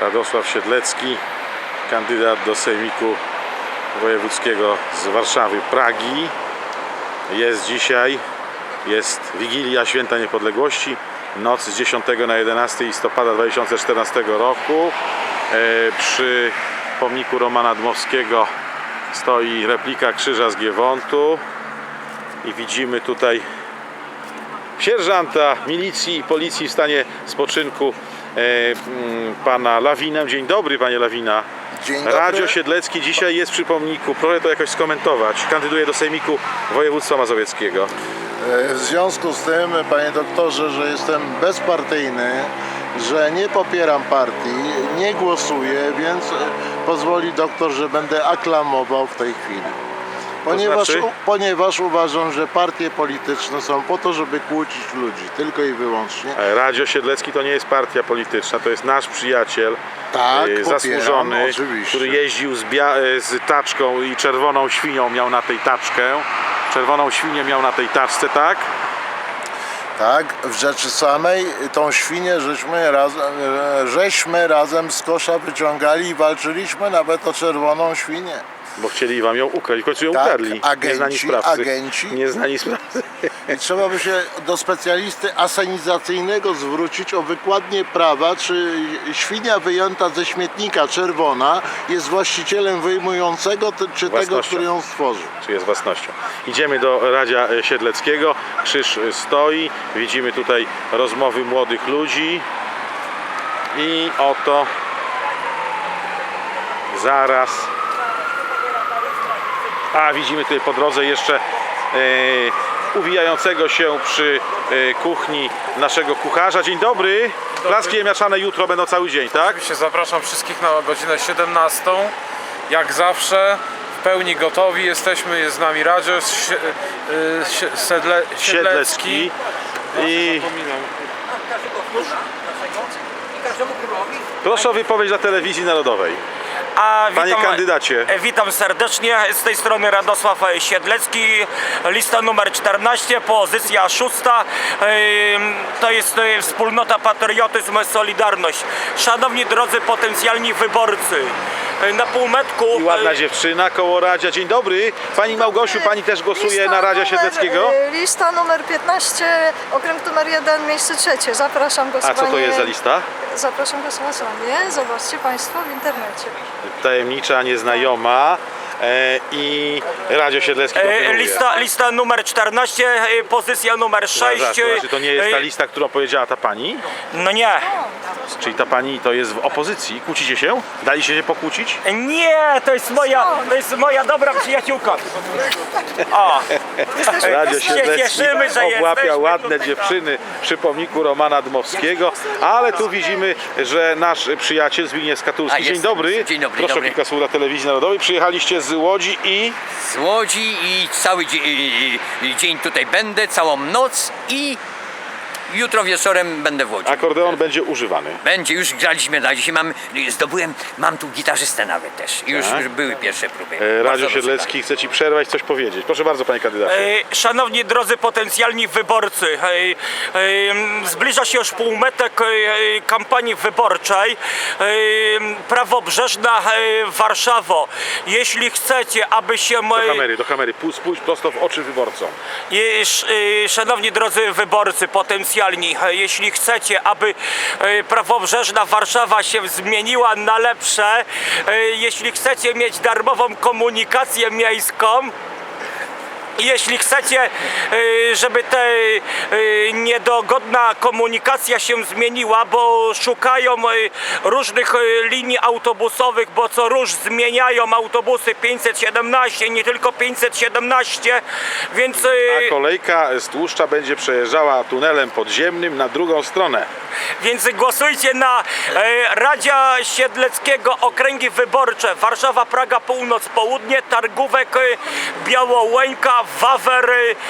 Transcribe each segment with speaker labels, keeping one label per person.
Speaker 1: Radosław Siedlecki, kandydat do Sejmiku Wojewódzkiego z Warszawy, Pragi. Jest dzisiaj, jest Wigilia Święta Niepodległości, noc z 10 na 11 listopada 2014 roku. Przy pomniku Romana Dmowskiego stoi replika krzyża z Giewontu i widzimy tutaj sierżanta milicji i policji w stanie spoczynku, pana Lawinę. Dzień dobry, panie Lawina.
Speaker 2: Dzień dobry.
Speaker 1: Radio Siedlecki dzisiaj jest przy pomniku. Proszę to jakoś skomentować. Kandyduje do Sejmiku Województwa Mazowieckiego.
Speaker 2: W związku z tym, panie doktorze, że jestem bezpartyjny, że nie popieram partii, nie głosuję, więc pozwoli doktor, że będę aklamował w tej chwili. Ponieważ uważam, że partie polityczne są po to, żeby kłócić ludzi, tylko i wyłącznie.
Speaker 1: Radio Siedlecki to nie jest partia polityczna, to jest nasz przyjaciel,
Speaker 2: Tak,
Speaker 1: zasłużony,
Speaker 2: popieram, oczywiście.
Speaker 1: który jeździł z taczką i czerwoną świnią miał na tej taczkę. Czerwoną świnię miał na tej taczce, tak?
Speaker 2: Tak, w rzeczy samej tą świnię żeśmy razem z kosza wyciągali i walczyliśmy nawet o czerwoną świnię.
Speaker 1: Bo chcieli wam ją ukraść, w końcu ją
Speaker 2: Tak,
Speaker 1: ukradli. Nieznani sprawcy.
Speaker 2: agenci.
Speaker 1: Nieznani sprawcy.
Speaker 2: I trzeba by się do specjalisty asenizacyjnego zwrócić o wykładnię prawa, czy świnia wyjęta ze śmietnika czerwona jest właścicielem wyjmującego, czy tego, który ją stworzył.
Speaker 1: Czy jest własnością. Idziemy do Radzia Siedleckiego. Krzyż stoi. Widzimy tutaj rozmowy młodych ludzi. I oto zaraz. A widzimy tutaj po drodze jeszcze uwijającego się przy kuchni naszego kucharza. Dzień dobry. Placki ziemniaczane jutro będą cały dzień, tak?
Speaker 3: Oczywiście zapraszam wszystkich na godzinę 17. Jak zawsze w pełni gotowi jesteśmy. Jest z nami Radio Siedlecki.
Speaker 1: I proszę o wypowiedź dla Telewizji Narodowej. Panie kandydacie.
Speaker 4: Witam serdecznie, z tej strony Radosław Siedlecki, lista numer 14, pozycja 6, to jest wspólnota Patriotyzm Solidarność. Szanowni drodzy potencjalni wyborcy, na półmetku...
Speaker 1: I ładna dziewczyna koło Radzia. Dzień dobry. Pani Małgosiu, pani też głosuje na Radzia Siedleckiego?
Speaker 5: Lista numer 15, okręg numer 1, miejsce 3. Zapraszam głosowanie.
Speaker 1: A co to jest za lista?
Speaker 5: Zapraszam głosowanie. Zobaczcie Państwo w internecie.
Speaker 1: Tajemnicza, nieznajoma. I Radio Siedlecki kontynuuje.
Speaker 4: Lista numer 14, pozycja numer 6.
Speaker 1: Znaczy, to nie jest ta lista, którą powiedziała ta pani?
Speaker 4: No nie.
Speaker 1: Czyli ta pani to jest w opozycji. Kłócicie się? Daliście się pokłócić?
Speaker 4: Nie, to jest moja dobra przyjaciółka. O,
Speaker 1: Radio
Speaker 4: się
Speaker 1: Siedlecki
Speaker 4: cieszymy, że
Speaker 1: obłapia
Speaker 4: jesteśmy
Speaker 1: ładne
Speaker 4: tutaj.
Speaker 1: dziewczyny przy pomniku Romana Dmowskiego, ale tu widzimy, że nasz przyjaciel Zbigniew Skatulski. Dzień dobry.
Speaker 6: Dzień dobry,
Speaker 1: Proszę
Speaker 6: dobry.
Speaker 1: kilka słów dla Telewizji Narodowej. Przyjechaliście z Łodzi i...
Speaker 6: Z Łodzi i cały dzień tutaj będę, całą noc i jutro wieczorem będę w Łodzi.
Speaker 1: Akordeon będzie używany.
Speaker 6: Będzie, już graliśmy na dzisiaj, mam tu gitarzystę nawet też. Już były pierwsze próby.
Speaker 1: Radio
Speaker 6: Bardzo
Speaker 1: Siedlecki chce ci przerwać, coś powiedzieć. Proszę bardzo, panie kandydacie.
Speaker 4: Szanowni drodzy potencjalni wyborcy, zbliża się już półmetek kampanii wyborczej. Prawobrzeżna Warszawo, jeśli chcecie, aby się...
Speaker 1: Do kamery, spójrz prosto w oczy wyborcom.
Speaker 4: Szanowni drodzy wyborcy potencjalni, jeśli chcecie, aby prawobrzeżna Warszawa się zmieniła na lepsze, jeśli chcecie mieć darmową komunikację miejską, jeśli chcecie, żeby ta niedogodna komunikacja się zmieniła, bo szukają różnych linii autobusowych, bo co róż zmieniają autobusy 517, nie tylko 517, więc...
Speaker 1: A kolejka z Tłuszcza będzie przejeżdżała tunelem podziemnym na drugą stronę.
Speaker 4: Więc głosujcie na Radzia Siedleckiego, okręgi wyborcze Warszawa, Praga, Północ, Południe, Targówek, Białołęka, Wawer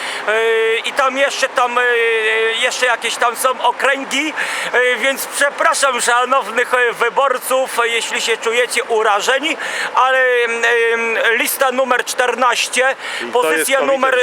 Speaker 4: i tam jeszcze jakieś tam są okręgi, więc przepraszam szanownych wyborców, jeśli się czujecie urażeni, ale lista numer 14, pozycja numer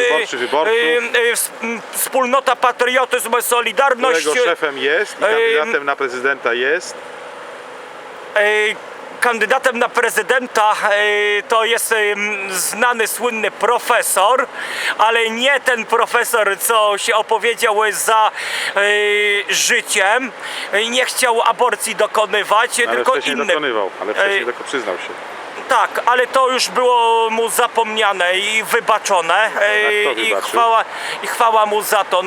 Speaker 4: wspólnota Patriotyzm Solidarność,
Speaker 1: którego szefem jest i kandydatem na prezydenta jest
Speaker 4: kandydatem na prezydenta to jest znany, słynny profesor, ale nie ten profesor, co się opowiedział za życiem, nie chciał aborcji dokonywać,
Speaker 1: Ale
Speaker 4: tylko
Speaker 1: wcześniej
Speaker 4: inny.
Speaker 1: dokonywał, ale wcześniej tylko przyznał się.
Speaker 4: Tak, ale to już było mu zapomniane i wybaczone.
Speaker 1: kto
Speaker 4: I
Speaker 1: wybaczył?
Speaker 4: chwała mu za to.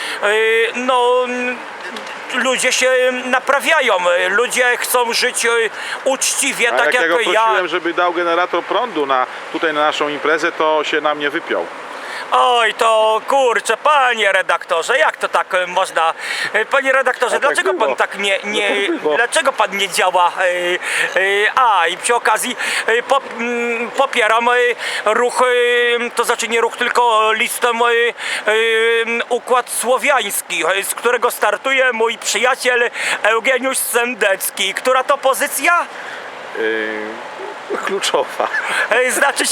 Speaker 4: Ludzie się naprawiają, ludzie chcą żyć uczciwie,
Speaker 1: A
Speaker 4: tak
Speaker 1: jak ja go
Speaker 4: jak ja.
Speaker 1: prosiłem, żeby dał generator prądu tutaj na naszą imprezę, to się na mnie wypiął.
Speaker 4: Oj, to kurczę, panie redaktorze, jak to tak można? Panie redaktorze,
Speaker 1: A tak
Speaker 4: dlaczego
Speaker 1: było.
Speaker 4: pan tak nie
Speaker 1: tak było.
Speaker 4: dlaczego pan nie działa? I przy okazji popieram ruch, to znaczy nie ruch, tylko listę Układ Słowiański, z którego startuje mój przyjaciel Eugeniusz Sendecki. Która to pozycja?
Speaker 1: Kluczowa.
Speaker 4: Znaczy